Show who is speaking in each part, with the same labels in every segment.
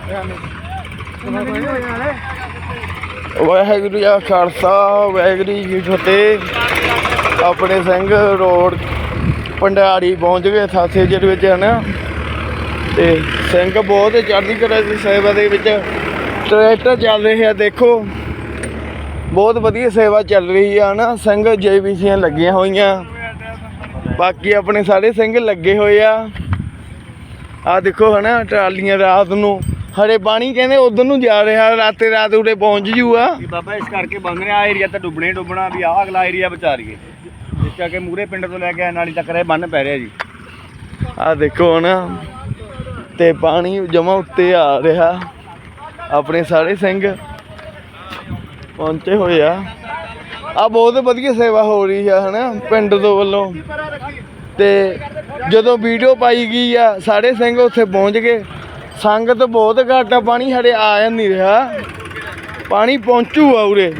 Speaker 1: ਵਾਹਿਗੁਰੂ ਜੀ ਕਾ ਖਾਲਸਾ ਵਾਹਿਗੁਰੂ ਜੀ ਕੀ ਫਤਿਹ। ਆਪਣੇ ਸਿੰਘ ਰੋਡ ਭੰਡਾਰੀ ਪਹੁੰਚ ਗਏ ਸਾਥੇ ਜਿਹਦੇ ਵਿੱਚ ਹੈ ਨਾ, ਤੇ ਸਿੰਘ ਬਹੁਤ ਚੜ੍ਹਦੀ ਕਲਾ ਦੀ ਸੇਵਾ ਦੇ ਵਿੱਚ ਟਰੈਕਟਰ ਚੱਲ ਰਹੇ ਆ। ਦੇਖੋ ਬਹੁਤ ਵਧੀਆ ਸੇਵਾ ਚੱਲ ਰਹੀ ਆ ਨਾ। ਸਿੰਘ JBCਆਂ ਲੱਗੀਆਂ ਹੋਈਆਂ, ਬਾਕੀ ਆਪਣੇ ਸਾਰੇ ਸਿੰਘ ਲੱਗੇ ਹੋਏ ਆ। ਆਹ ਦੇਖੋ ਹੈ ਨਾ ਟਰਾਲੀਆਂ ਰਾਤ ਨੂੰ ਹਰੇ ਪਾਣੀ ਕਹਿੰਦੇ ਉਧਰ ਨੂੰ ਜਾ ਰਿਹਾ, ਰਾਤੇ ਰਾਤ ਉਰੇ ਪਹੁੰਚ ਜੂਗਾ
Speaker 2: ਬਾਬਾ। ਇਸ ਕਰਕੇ ਬੰਦ ਰਿਹਾ ਏਰੀਆ ਤਾਂ ਡੁੱਬਣਾ ਵੀ ਆਹ ਅਗਲਾ ਏਰੀਆ ਬਚਾ ਰਹੀਏ, ਇਸ ਕਰਕੇ ਮੂਹਰੇ ਪਿੰਡ ਤੋਂ ਲੈ ਕੇ ਨਾਲੀ ਤੱਕ ਰਹੇ ਬੰਨ ਪੈ ਰਿਹਾ ਜੀ।
Speaker 1: ਆਹ ਦੇਖੋ ਨਾ, ਤੇ ਪਾਣੀ ਜਮਾ ਉੱਤੇ ਆ ਰਿਹਾ। ਆਪਣੇ ਸਾਰੇ ਸਿੰਘ ਪਹੁੰਚੇ ਹੋਏ ਆ। ਆ ਬਹੁਤ ਵਧੀਆ ਸੇਵਾ ਹੋ ਰਹੀ ਆ ਹੈ ਨਾ ਪਿੰਡ ਤੋਂ ਵੱਲੋਂ। ਤੇ ਜਦੋਂ ਵੀਡੀਓ ਪਾਈ ਗਈ ਆ ਸਾਰੇ ਸਿੰਘ ਉੱਥੇ ਪਹੁੰਚ ਗਏ। ਸੰਗਤ ਬਹੁਤ ਘੱਟ ਆ, ਪਾਣੀ ਹਰੇ ਆ ਨਹੀਂ ਰਿਹਾ, ਪਾਣੀ ਪਹੁੰਚੂਗਾ ਉਰੇ।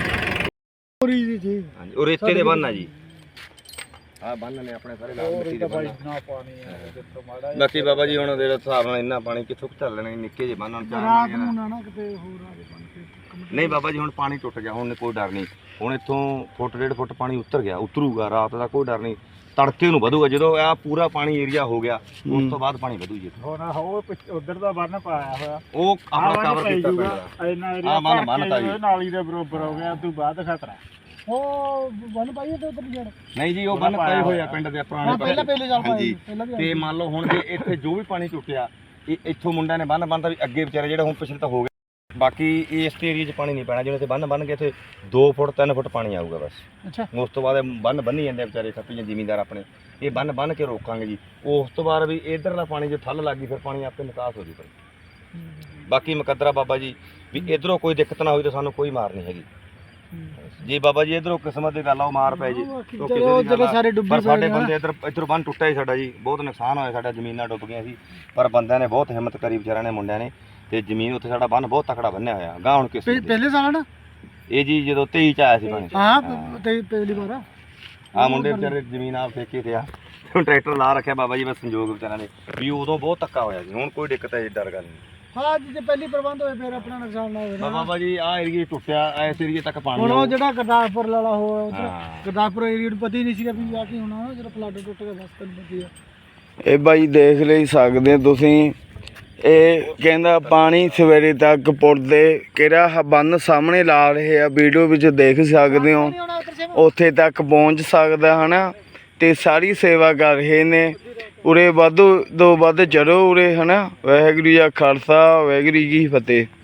Speaker 2: ਉਰੇ ਇੱਥੇ ਦੇ ਬੰਨ ਆ ਜੀ, ਆਹ ਬੰਨ ਨੇ ਆਪਣੇ ਸਾਰੇ ਨਾਲ ਮਿੱਟੀ ਦੇ ਬੰਨ। ਬਾਕੀ ਬਾਬਾ ਜੀ ਹੁਣ ਦੇ ਹਿਸਾਬ ਨਾਲ ਇੰਨਾ ਪਾਣੀ ਕਿੱਥੋਂ ਚੱਲ ਲੈਣਾ, ਨਿੱਕੇ ਜਿਹੇ ਬੰਨ ਨਾਲ ਨਹੀਂ ਬਾਬਾ ਜੀ। ਹੁਣ ਪਾਣੀ ਟੁੱਟ ਗਿਆ, ਹੁਣ ਕੋਈ ਡਰ ਨਹੀਂ। ਹੁਣ ਇੱਥੋਂ ਫੁੱਟ 1.5 ਫੁੱਟ ਪਾਣੀ ਉਤਰ ਗਿਆ, ਉਤਰੂਗਾ ਰਾਤ ਦਾ ਕੋਈ ਡਰ ਨਹੀਂ। ਤੜਕੇ ਨੂੰ ਵਧੂਗਾ ਜਦੋਂ ਆ ਪੂਰਾ ਪਾਣੀ ਏਰੀਆ ਹੋ ਗਿਆ, ਉਸ ਤੋਂ ਬਾਅਦ ਪਾਣੀ ਵਧੂ ਜੀ।
Speaker 3: ਉਧਰ ਦਾ ਬੰਨ ਪਾਇਆ ਹੋਇਆ,
Speaker 2: ਉਹ ਆਪਣਾ ਕਵਰ ਕੀਤਾ ਪਿਆ। ਆ ਬੰਨ ਤਾਂ ਜੀ
Speaker 3: ਨਾਲੀ ਦੇ ਬਰੋਬਰ ਹੋ ਗਿਆ, ਤੋਂ ਬਾਅਦ ਖਤਰਾ। ਉਹ ਬੰਨ ਪਾਈਏ ਤੇ ਉਧਰ ਜੜ
Speaker 2: ਨਹੀਂ ਜੀ, ਉਹ ਬੰਨ ਪਏ ਹੋਏ ਆ ਪਿੰਡ ਦੇ ਪੁਰਾਣੇ ਹਾਂਜੀ। ਤੇ ਮੰਨ ਲਓ ਹੁਣ ਜੇ ਇੱਥੇ ਜੋ ਵੀ ਪਾਣੀ ਟੁੱਟਿਆ, ਇਹ ਇੱਥੋਂ ਮੁੰਡਿਆਂ ਨੇ ਬੰਨ ਬੰਨਤਾ ਵੀ ਅੱਗੇ ਵਿਚਾਰੇ ਜਿਹੜੇ ਹੁਣ ਪਿਛਲੇ ਤਾਂ ਹੋ ਗਏ। ਬਾਕੀ ਇਸ ਏਰੀਏ 'ਚ ਪਾਣੀ ਨਹੀਂ ਪੈਣਾ, ਜਿਵੇਂ ਇੱਥੇ ਬੰਨ ਕੇ ਇੱਥੇ 2 ਫੁੱਟ 3 ਫੁੱਟ ਪਾਣੀ ਆਊਗਾ ਬਸ।
Speaker 3: ਅੱਛਾ,
Speaker 2: ਉਸ ਤੋਂ ਬਾਅਦ ਬੰਨ ਬੰਨੀ ਜਾਂਦੇ ਵਿਚਾਰੇ ਖੱਪੀਆਂ ਜ਼ਿਮੀਂਦਾਰ ਆਪਣੇ। ਇਹ ਬੰਨ ਕੇ ਰੋਕਾਂਗੇ ਜੀ। ਉਸ ਤੋਂ ਬਾਅਦ ਵੀ ਇਧਰਲਾ ਪਾਣੀ ਜੇ ਠੱਲ ਲੱਗ ਗਈ ਫਿਰ ਪਾਣੀ ਆਪੇ ਨਿਕਾਸ ਹੋ ਜੂ। ਬਾਕੀ ਮੁਕੱਦਰਾ ਬਾਬਾ ਜੀ ਵੀ ਇਧਰੋਂ ਕੋਈ ਦਿੱਕਤ ਨਾ ਹੋਈ ਤਾਂ ਸਾਨੂੰ ਕੋਈ ਮਾਰ ਨਹੀਂ ਹੈਗੀ। ਜੇ ਬਾਬਾ ਜੀ ਇਧਰੋਂ ਕਿਸਮਤ ਦੀ ਗੱਲ ਆ ਉਹ ਮਾਰ ਪੈ ਜੀ, ਪਰ ਸਾਡੇ ਬੰਦੇ ਇੱਧਰੋਂ ਬੰਨ ਟੁੱਟਿਆ ਹੀ ਸਾਡਾ ਜੀ, ਬਹੁਤ ਨੁਕਸਾਨ ਹੋਇਆ ਸਾਡਾ। ਜ਼ਮੀਨਾਂ ਡੁੱਬ ਗਈਆਂ ਸੀ, ਪਰ ਬੰਦਿਆਂ ਨੇ ਬਹੁਤ ਹਿੰਮਤ ਕਰੀ ਵਿਚਾਰਿਆਂ ਨੇ, ਮੁੰਡਿਆਂ ਨੇ। ਤੇ ਜ਼ਮੀਨ ਉੱਥੇ ਸਾਡਾ ਬੰਨ ਬਹੁਤ ਤਕੜਾ ਬੰਨਿਆ ਹੋਇਆ ਗਾਂ। ਹੁਣ ਕਿਸ
Speaker 3: ਪਹਿਲੇ ਸਾਲ ਨਾ
Speaker 2: ਇਹ ਜੀ ਜਦੋਂ 23 ਚ ਆਇਆ ਸੀ ਪਾਣੀ।
Speaker 3: ਹਾਂ ਤੇ ਪਹਿਲੀ ਵਾਰ
Speaker 2: ਆ ਮੁੰਡੇ ਵਿਚਾਰੇ ਜ਼ਮੀਨ ਆਪ ਠੇਕੇ ਤੇ ਆ, ਹੁਣ ਟਰੈਕਟਰ ਲਾ ਰੱਖਿਆ ਬਾਬਾ ਜੀ। ਬਸ ਸੰਯੋਗ ਵਿਚਾਰਿਆਂ ਦੇ ਵੀ ਉਦੋਂ ਬਹੁਤ ਧੱਕਾ ਹੋਇਆ ਸੀ, ਹੁਣ ਕੋਈ ਦਿੱਕਤ ਹੈ ਡਰ ਗੱਲ ਨਹੀਂ।
Speaker 3: ਹਾਂ ਜੇ ਪਹਿਲੀ ਪ੍ਰਬੰਧ ਹੋਏ ਫਿਰ ਆਪਣਾ ਨੁਕਸਾਨ ਨਾ ਹੋਵੇ
Speaker 2: ਬਾਬਾ ਜੀ। ਆ ਏਰੀਆ ਟੁੱਟਿਆ, ਇਸ ਏਰੀਏ ਤੱਕ ਪਾਣੀ।
Speaker 3: ਹੁਣ ਉਹ ਜਿਹੜਾ ਗੁਰਦਾਸਪੁਰ ਵਾਲਾ ਹੋਇਆ, ਗੁਰਦਾਸਪੁਰ ਏਰੀਆ ਨੂੰ ਪਤਾ ਹੀ ਨਹੀਂ ਸੀਗਾ ਵੀ ਆ ਕੀ ਹੋਣਾ, ਜਿਹੜਾ ਫਲੱਡ ਟੁੱਟ ਗਿਆ ਬਸ ਤੈਨੂੰ ਪਤਾ ਹੀ ਆ।
Speaker 1: ਇਹ ਬਾਈ ਦੇਖ ਲਈ ਸਕਦੇ ਤੁਸੀਂ। ਇਹ ਕਹਿੰਦਾ ਪਾਣੀ ਸਵੇਰੇ ਤੱਕ ਪੁੱਲ ਦੇ ਕਿਹੜਾ ਬੰਨ ਸਾਹਮਣੇ ਲਾ ਰਹੇ ਆ, ਵੀਡੀਓ ਵਿੱਚ ਦੇਖ ਸਕਦੇ ਹੋ। ਉੱਥੇ ਤੱਕ ਪਹੁੰਚ ਸਕਦਾ ਹੈ ਨਾ, ਤੇ ਸਾਰੀ ਸੇਵਾ ਕਰ ਰਹੇ ਨੇ। ਉਰੇ ਵੱਧ ਤੋਂ ਵੱਧ ਚੜੋ ਉਰੇ ਹੈ ਨਾ। ਵਾਹਿਗੁਰੂ ਜੀ ਕਾ ਖਾਲਸਾ ਵਾਹਿਗੁਰੂ ਜੀ ਕੀ ਫਤਿਹ।